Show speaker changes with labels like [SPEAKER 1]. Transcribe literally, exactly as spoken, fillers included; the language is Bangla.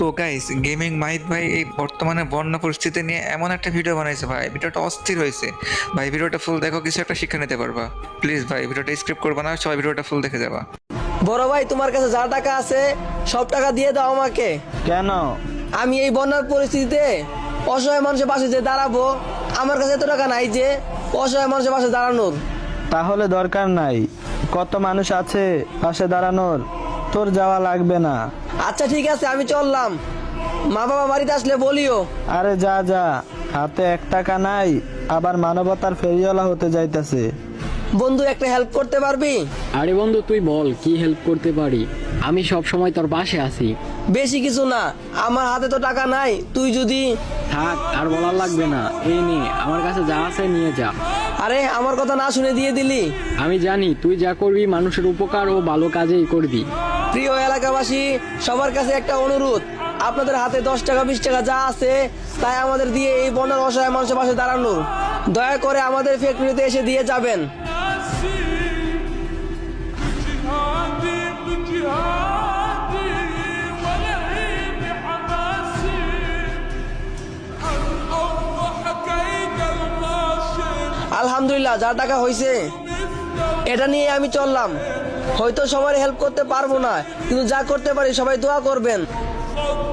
[SPEAKER 1] তো গাইস, গেমিং মাহিত ভাই এই বর্তমানে বন্যা পরিস্থিতি নিয়ে এমন একটা ভিডিও বানাইছে ভাই, ভিডিওটা অস্থির হয়েছে। ভাই ভিডিওটা ফুল দেখো, কিছু একটা শিক্ষা নিতে পারবা। প্লিজ ভাই ভিডিওটা স্ক্রিপ্ট করবা না, সবাই ভিডিওটা ফুল দেখে যাবা।
[SPEAKER 2] বড় ভাই, তোমার কাছে যা টাকা আছে সব টাকা দিয়ে দাও আমাকে।
[SPEAKER 3] কেন?
[SPEAKER 2] আমি এই বন্যার পরিস্থিতিতে অসহায় মানুষের পাশে যে দাঁড়াবো, আমার কাছে এত টাকা নাই যে অসহায় মানুষের পাশে দাঁড়ানোর।
[SPEAKER 3] তাহলে দরকার নাই, কত মানুষ আছে পাশে দাঁড়ানোর, তোর যাওয়া লাগবে না।
[SPEAKER 2] আচ্ছা ঠিক আছে, আমি চললাম। মা বাবা বাড়িতে আসলে বলিও।
[SPEAKER 3] আরে যা যা, হাতে এক টাকা নাই, আবার মানবতার ফেরিওয়ালা হতে যাইতেছে।
[SPEAKER 2] বন্ধু, একটা হেল্প করতে পারবি?
[SPEAKER 4] আরে বন্ধু, তুই বল কি হেল্প করতে পারি। আমি সব সময় তোর পাশে আছি।
[SPEAKER 2] বেশি কিছু না, আমার হাতে তো টাকা নাই, তুই যদি।
[SPEAKER 4] থাক, আর বলার লাগবে না, এই নে আমার কাছে যা আছে নিয়ে যা।
[SPEAKER 2] আরে আমার কথা না শুনে দিয়ে দিলি।
[SPEAKER 4] আমি জানি তুই যা করবি মানুষের উপকার ও ভালো কাজেই করবি।
[SPEAKER 2] প্রিয় এলাকাবাসী, সবার কাছে একটা অনুরোধ, আপনাদের হাতে দশ টাকা বিশ টাকা যা আছে তাই আমাদের দিয়ে এই বন্যার অসহায় মানুষের পাশে দাঁড়ানোর। দয়া করে আমাদের ফ্যাক্টরিতে এসে দিয়ে যাবেন।
[SPEAKER 5] جهادي بجهادي ولهيب حماسي عن أوضح كيد الماشي
[SPEAKER 2] আলহামদুলিল্লাহ, যা টাকা হয়েছে এটা নিয়ে আমি চললাম। হয়তো সবার হেল্প করতে পারবো না, কিন্তু যা করতে পারি সবাই দোয়া করবেন।
[SPEAKER 5] صوت